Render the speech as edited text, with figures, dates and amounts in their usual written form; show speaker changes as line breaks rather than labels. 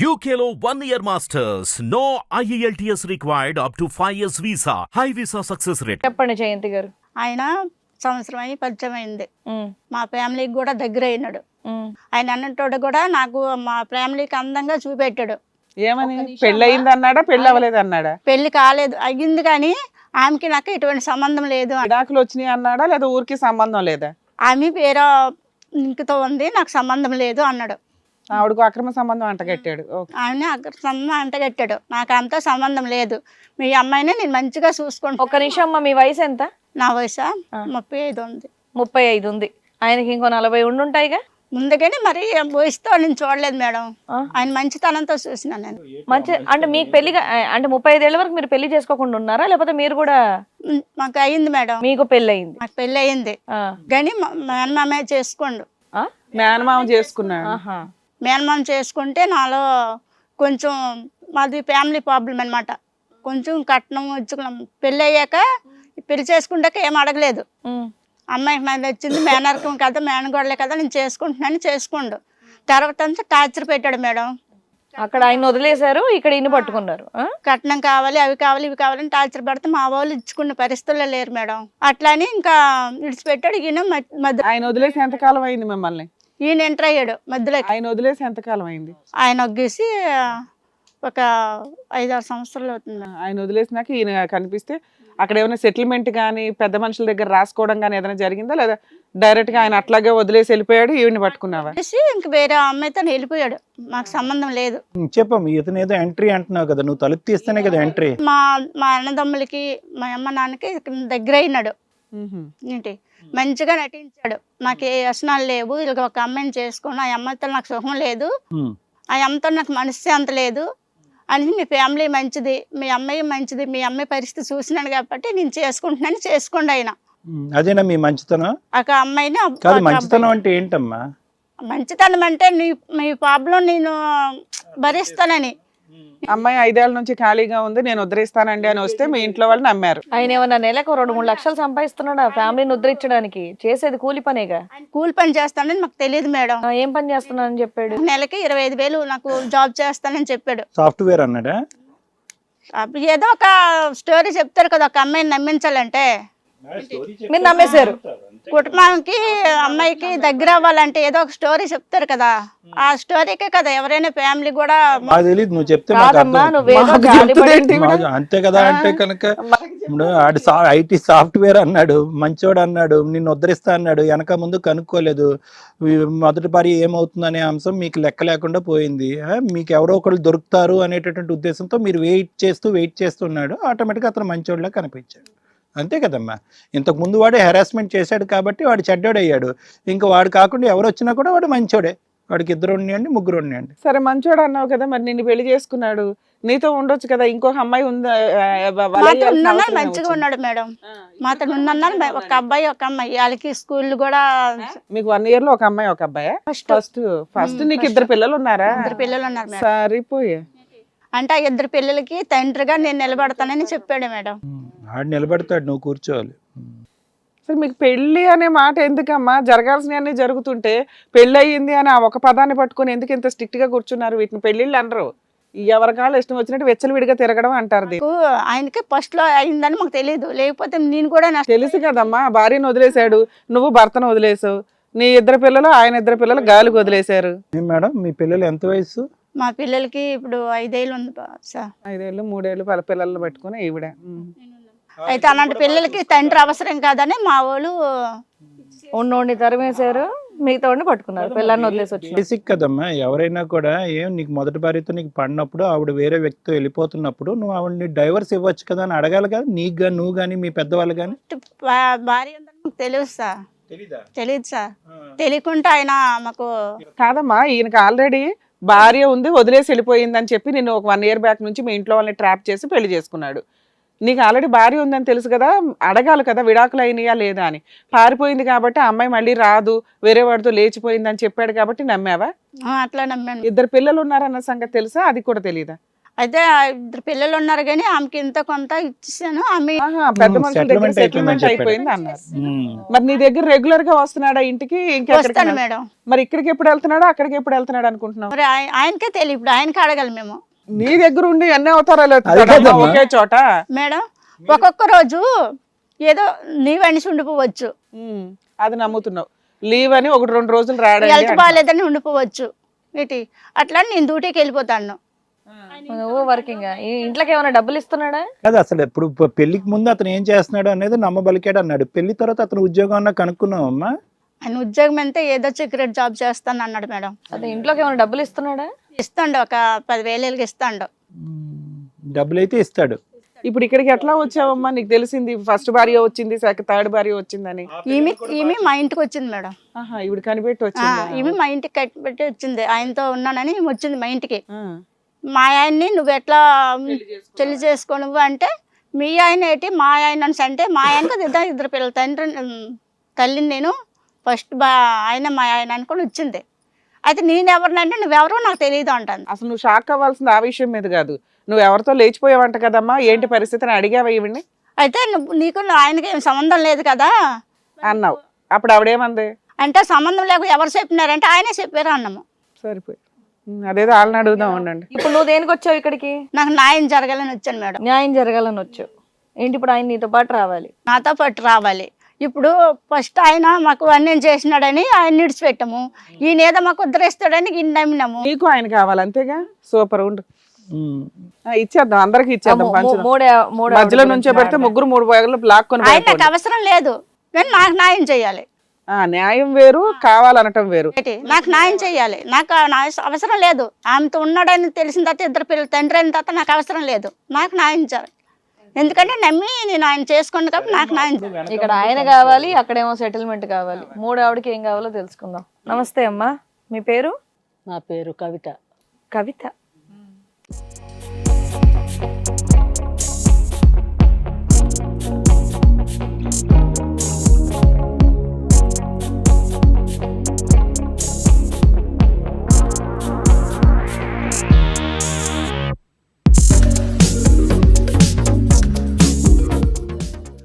UKLO 1 year masters. No IELTS required up to 5 years visa. High visa success rate.
చెప్పండి జయంతి గారు.
ఆయన సంవత్సరం అయి పరిచయం అయింది.
ఉమ్,
మా ఫ్యామిలీకి కూడా దగ్గర అయినాడు.
ఉమ్.
ఆయన అన్నట్టు కూడా నాకు మా ఫ్యామిలీకి అందంగా చూపెట్టాడు.
ఏమని పెళ్ళి అయింది అన్నాడా పెళ్ళి అవ్వలేదు అన్నాడా?
పెళ్లి కాలేదు, అయ్యింది కానీ ఆమెకి నాకు ఎటువంటి సంబంధం లేదు.
విడాకులు వచ్చినాయి అన్నాడా లేదా ఊరికి సంబంధం లేదా?
ఆమె వేరే ఇంకతో ఉంది, నాకు సంబంధం లేదు అన్నాడు.
ఆవిడకు అక్రమ సంబంధం అంటగట్టాడు. ఓకే.
ఆయన సంబంధం అంటగట్టాడు. నాకు అంతా సంబంధం లేదు, మీ అమ్మాయిని నేను మంచిగా చూసుకుంటా.
ఒక్క నిమిషం అమ్మ, మీ వయసు ఎంత?
నా వయసు 35 ఉంది.
35 ఉంది. ఆయనకి ఇంకో 40 ఉండుంటాయిగా.
ముందుగానే మరి వయసుతో నేను చూడలేదు మేడం,
ఆ.
ఆయన మంచితనంతో చూసిన నేను.
మంచి అంటే మీకు పెళ్లిగా అంటే 35 ఏళ్ల వరకు మీరు పెళ్లి చేసుకోకుండా ఉన్నారా, లేకపోతే మీరు కూడా?
మాకు అయ్యింది మేడం,
మీకు పెళ్లి అయింది.
మాకు పెళ్ళి అయ్యింది కానీ మేనమామే చేసుకోండు.
మేనమామ చేసుకున్నాడు.
ఆహా.
మేనమామ చేసుకుంటే నాలో కొంచెం మాది ఫ్యామిలీ ప్రాబ్లం అనమాట. కొంచెం కట్నం ఇచ్చుకున్నాం. పెళ్ళి అయ్యాక పెళ్లి చేసుకుంటాక ఏం అడగలేదు.
ఉమ్,
అమ్మాయికి నాకు వచ్చింది మేనరకం కదా, మేనగోడలే కదా, నేను చేసుకుంటున్నాను చేసుకోండు. తర్వాత అంతా టార్చర్ పెట్టాడు మేడం.
అక్కడ ఆయన వదిలేశారు, ఇక్కడ ఇన్ని పట్టుకున్నారు. ఆ?
కట్నం కావాలి, అవి కావాలి, ఇవి కావాలని టార్చర్ పెడితే మా వాళ్ళు ఇచ్చుకున్న పరిస్థితుల్లో లేరు మేడం. అట్లాని ఇంకా విడిచిపెట్టాడు. ఈయన మధ్య
ఆయన వదిలేసి ఎంతకాలం అయింది మిమ్మల్ని?
ఈయన ఎంటర్ అయ్యాడు మధ్యలో.
ఆయన వదిలేసి ఎంతకాలం అయింది?
ఆయన ఒగ్గేసి ఒక 5-6 సంవత్సరాలు అవుతుంది.
ఆయన వదిలేసినాక ఈయన కనిపిస్తే అక్కడ ఏమైనా సెటిల్మెంట్ కానీ పెద్ద మనుషుల దగ్గర రాసుకోవడం కానీ ఏదైనా జరిగిందా లేదా డైరెక్ట్ గా ఆయన అట్లాగే వదిలేసి వెళ్ళిపోయాడు? ఈవిని పట్టుకున్నావా?
ఇంక వేరే అమ్మాయితో వెళ్ళిపోయాడు, మాకు సంబంధం లేదు.
చెప్పమ్మ, ఇతను ఏదో ఎంట్రీ అంటున్నావు కదా, నువ్వు తలుపు తీస్తేనే కదా ఎంట్రీ.
మా మా అన్నదమ్ములకి మా అమ్మ నాన్నకి దగ్గర అయినాడు. ఏంటి మంచిగా నటించాడు. నాకు ఏ వ్యసనాలు లేవు, ఇలా ఒక అమ్మాయిని చేసుకుని ఆ అమ్మాయితో నాకు సుఖం లేదు, ఆ అమ్మతో నాకు మనశ్శాంతి లేదు అని, మీ ఫ్యామిలీ మంచిది, మీ అమ్మాయి మంచిది, మీ అమ్మాయి పరిస్థితి చూసినాను కాబట్టి నేను చేసుకుంటున్నాను, చేసుకోండి ఆయన.
అదేనా మీ మంచితనం?
ఒక అమ్మాయిని
కాదు, మంచితనం అంటే ఏంటమ్మా?
మంచితనం అంటే మీ ప్రాబ్లం నేను భరిస్తానని.
అమ్మాయి 5 ఏళ్ల నుంచి ఖాళీగా ఉంది, నేను ఉద్ధరిస్తానండి అని వస్తే మీ ఇంట్లో వాళ్ళు నమ్మారు.
ఆయన ఏమన్నా నెలకు 2-3 లక్షలు సంపాదిస్తున్నాడా ఫ్యామిలీని ఉద్ధరించడానికి? చేసేది కూలి పనేగా.
కూలి పని చేస్తానని మాకు తెలియదు మేడం.
ఆ, ఏం పని చేస్తున్నానని చెప్పాడు?
నెలకి 25,000 నాకు జాబ్ చేస్తానని చెప్పాడు.
సాఫ్ట్వేర్ అన్నాడా?
అప్పుడు ఏదో ఒక స్టోరీ చెప్తారు కదా, ఒక అమ్మాయిని నమ్మించాలంటే.
మీరు నమ్మేశారు.
కుటుంబానికి అమ్మాయికి దగ్గర అవ్వాలంటే ఏదో ఒక స్టోరీ చెప్తారు కదా, ఆ స్టోరీకే కదా ఎవరైనా ఫ్యామిలీ కూడా.
మాకు తెలియదు, నువ్వు చెప్తే మాకు
కాదమ్మా,
అర్థం.
నువ్వేదో జాలిపడి-
అంతే కదా. అంటే కనుక ఇప్పుడు ఆడు ఐటీ సాఫ్ట్వేర్ అన్నాడు, మంచోడు అన్నాడు, నిన్ను ఉద్ధరిస్తా అన్నాడు, వెనక ముందు కనుక్కోలేదు. మొదటి పరి ఏమవుతుందనే అంశం మీకు లెక్క లేకుండా పోయింది. మీకు ఎవరో ఒకళ్ళు దొరుకుతారు అనేటటువంటి ఉద్దేశంతో మీరు వెయిట్ చేస్తున్నాడు. ఆటోమేటిక్గా అతను మంచోడులా కనిపించాడు. అంతే కదమ్మా. ఇంతకు ముందు వాడు హెరాస్మెంట్ చేశాడు కాబట్టి వాడు చెడ్డోడు అయ్యాడు. ఇంకా వాడు కాకుండా ఎవరు వచ్చినా కూడా వాడు మంచోడే. వాడికి 2 ఉన్నాయండి, 3 ఉన్నాయండి.
సరే మంచోడు అన్నావు కదా, మరి నిన్ను పెళ్లి చేసుకున్నాడు, నీతో ఉండొచ్చు కదా, ఇంకొక అమ్మాయి ఉందా?
మాతో ఉన్న మంచిగా ఉన్నాడు మేడం. మాతో ఉన్న ఒక అబ్బాయి ఒక అమ్మాయి, వాళ్ళకి స్కూల్ కూడా.
మీకు 1 year లో ఒక అమ్మాయి ఒక అబ్బాయా? ఫస్ట్ నీకు 2 పిల్లలు ఉన్నారా?
2 పిల్లలు ఉన్నారు మేడం.
సరిపోయా.
అంటే ఆ 2 పిల్లలకి తండ్రిగా నేను నిలబడతానని చెప్పాడు మేడం.
ఆడు నిలబెడతాడు, నువ్వు కూర్చోవాలి.
సరే మీకు పెళ్లి అనే మాట ఎందుకమ్మా? జరగాల్సినవన్నీ జరుగుతుంటే పెళ్లి అయ్యింది అని ఆ ఒక పదాన్ని పట్టుకొని ఎందుకు ఇంత స్ట్రిక్ట్ గా కూర్చున్నారు? వీటిని పెళ్లిళ్ళు అనరు, ఎవరి కాళ్ళు ఇష్టం వచ్చినట్టు వెచ్చలవిడిగా తిరగడం అంటారు.
ఆయనకి ఫస్ట్ లో అయిందని మాకు తెలియదు, లేకపోతే నేను కూడా
తెలుసు కదమ్మా. భార్యను వదిలేశాడు, నువ్వు భర్తను వదిలేసావు, నీ 2 పిల్లలు ఆయన 2 పిల్లలు గాలికి వదిలేశారు.
మేడం, మీ పిల్లలు ఎంత వయసు?
మా పిల్లలకి ఇప్పుడు 5 ఏళ్ళు ఉంది సార్.
5 ఏళ్ళు 3 ఏళ్ళు పిల్లలను పెట్టుకుని ఈవిడ.
అయితే అలాంటి పిల్లలకి తండ్రి అవసరం కాదని మా వాళ్ళు
ఉన్నోడిని తరిమేశారు, మిగతా వాడిని పట్టుకున్నారు, పిల్లల్ని వదిలేసి వచ్చి.
బేసిక్ కదమ్మా. ఎవరైనా కూడా నీకు మొదటి భార్యతో నీకు పడినప్పుడు, ఆవిడ వేరే వ్యక్తితో వెళ్ళిపోతున్నప్పుడు నువ్వు ఆవిడని డైవర్స్ ఇవ్వచ్చు కదా అని అడగాలి కదా. నీకు కానీ, నువ్వు కానీ, మీ పెద్దవాళ్ళు కానీ.
భార్య ఉందని తెలియదు సార్. తెలియదు సార్. తెలియకుండా ఆయన మాకు.
కాదమ్మా, ఈయనకి ఆల్రెడీ భార్య ఉంది, వదిలేసి వెళ్ళిపోయింది అని చెప్పి నేను ఒక 1 year బ్యాక్ నుంచి మీ ఇంట్లో వాళ్ళని ట్రాప్ చేసి పెళ్లి చేసుకున్నాడు. నీకు ఆల్రెడీ భార్య ఉందని తెలుసు కదా, అడగాలి కదా విడాకులు అయినాయా లేదా అని. పారిపోయింది కాబట్టి ఆ అమ్మాయి మళ్ళీ రాదు, వేరే వాడితో లేచిపోయింది అని చెప్పాడు కాబట్టి నమ్మావా?
అట్లా నమ్మాను.
2 పిల్లలు ఉన్నారన్న సంగతి తెలుసా? అది కూడా తెలీదా?
అయితే ఆ 2 పిల్లలు ఉన్నారు కానీ ఆమెకి ఇంత కొంత ఇచ్చేసాను. ఆమె
ఆహా, పెద్ద మనుషుల దగ్గర
settlement
సెటిల్మెంట్ అయిపోయింది అన్నారు. మరి నీ దగ్గర రెగ్యులర్ గా వస్తున్నాడా ఇంటికి?
వస్తాను
ఇంకెక్కడికి?
మేడం.
మరి ఇక్కడికి ఎప్పుడు వెళ్తున్నాడా, అక్కడికి ఎప్పుడు వెళ్తున్నాడు అనుకుంటున్నావు?
మరి ఆయనకే తెలియదు, ఇప్పుడు ఆయనకి అడగాలి మేము.
నీ దగ్గర ఉండి అన్ని అవతారాలు
అది
ఎత్తుతాడా అమ్మా
కాదమ్మా.
ఒకే చోట?
మేడం ఒక్కొక్క రోజు ఏదో నీవు అనిసి ఉండిపోవచ్చు,
అది నమ్ముతున్నావు. లీవ్ అని 1-2 రోజులు రాడండి
హెల్త్
అంటున్నావు.
బాగాలేదని ఉండిపోవచ్చు. ఏంటి అట్లా నేను డ్యూటీకి వెళ్ళిపోతాను.
నువ్వు వర్కింగ్ ఇంట్లోకి ఏమైనా డబ్బులు ఇస్తున్నాడా?
కదా అసలు ఎప్పుడు పెళ్లికి ముందు అతను ఏం చేస్తున్నాడు అనేది నమ్మబలికాడు అన్నాడు. పెళ్లి తర్వాత అతను ఉద్యోగం అన్నా కనుక్కున్నావమ్మా?
ఆయన ఉద్యోగం అంతా ఏదో సీక్రెట్ జాబ్ చేస్తాను అన్నాడు మేడం.
అదే ఇంట్లోకి ఏమైనా డబ్బులు ఇస్తున్నాడా?
ఇస్తాండు, ఒక 10,000 ఇస్తాండు.
డబ్బులైతే ఇస్తాడు.
ఇప్పుడు ఇక్కడికి ఎట్లా వచ్చావమ్మా? నీకు తెలిసింది ఫస్ట్ భార్య వచ్చింది, థర్డ్ భార్య వచ్చిందని.
ఈమె మా ఇంటికి వచ్చింది మేడం.
ఆహా, ఇవిడ కనిపెట్టి
ఆ,
వచ్చిందా?
ఈమె మా ఇంటికి కట్టిపెట్టి వచ్చింది. ఆయనతో ఉన్నానని ఈమె వచ్చింది మా ఇంటికి.
ఆ.
మా ఆయన్ని నువ్వు ఎట్లా పెళ్లి చేసుకో నువ్వు అంటే, మీ ఆయన ఏంటి మా ఆయన అంటే, మా ఆయనకు 2 పిల్లలు, తల్లిని నేను ఫస్ట్ ఆయన మా ఆయన అనుకొని వచ్చింది. అయితే నేను ఎవరినంటే నువ్వెవరో నాకు తెలియదు అంటాను.
అసలు నువ్వు షాక్ అవ్వాల్సింది ఆ విషయం మీద కాదు, నువ్వు ఎవరితో లేచిపోయావంట కదమ్మా, ఏంటి పరిస్థితి అని అడిగావా ఈవిడ్ని?
అయితే నీకు ఆయనకి ఏం సంబంధం లేదు కదా
అన్నావు. అప్పుడు ఆవిడేమంది?
అంటే సంబంధం లేక ఎవరు చెప్పినారంటే ఆయనే చెప్పారు అన్నాము.
సరిపోయి అదేదో వాళ్ళని అడుగుదాం ఉండండి.
ఇప్పుడు నువ్వు దేనికి వచ్చావు ఇక్కడికి?
నాకు న్యాయం జరగాలని వచ్చాను మేడం.
న్యాయం జరగాలని వచ్చావు. ఏంటి ఇప్పుడు ఆయన నీతో పాటు రావాలి?
నాతో పాటు రావాలి. ఇప్పుడు ఫస్ట్ ఆయన మాకు అన్యం చేసినాడని ఆయన నిడిచిపెట్టాము, ఈయన ఏదో మాకు ఉద్ధరిస్తాడని ఈయన నమ్మినాము.
నీకు ఆయన కావాలి అంతేగా? సూపర్ ఉండు. ఇచ్చేద్దాం, అందరికి ఇచ్చేద్దాం. పంచుదాం. మధ్యలో నుంచో పెడితే 3 బాగులు బ్లాక్ కొని
ఆయన నాకు అవసరం లేదు, కానీ నాకు న్యాయం చేయాలి.
న్యాయం వేరు, కావాలనటం వేరు.
నాకు న్యాయం చేయాలి. నాకు అవసరం లేదు, ఆమెతో ఉన్నాడని తెలిసిన తర్వాత 2 పిల్లలు తండ్రి అయిన తర్వాత నాకు అవసరం లేదు. నాకు న్యాయం చేయాలి, ఎందుకంటే నమ్మి నేను ఆయన చేసుకోండి కాబట్టి నాకు న్యాయం చేయాలి.
ఇక్కడ ఆయన కావాలి, అక్కడేమో సెటిల్మెంట్ కావాలి. ఆవిడకి ఏం కావాలో తెలుసుకుందాం. నమస్తే అమ్మా, మీ పేరు?
నా పేరు కవిత.
కవిత.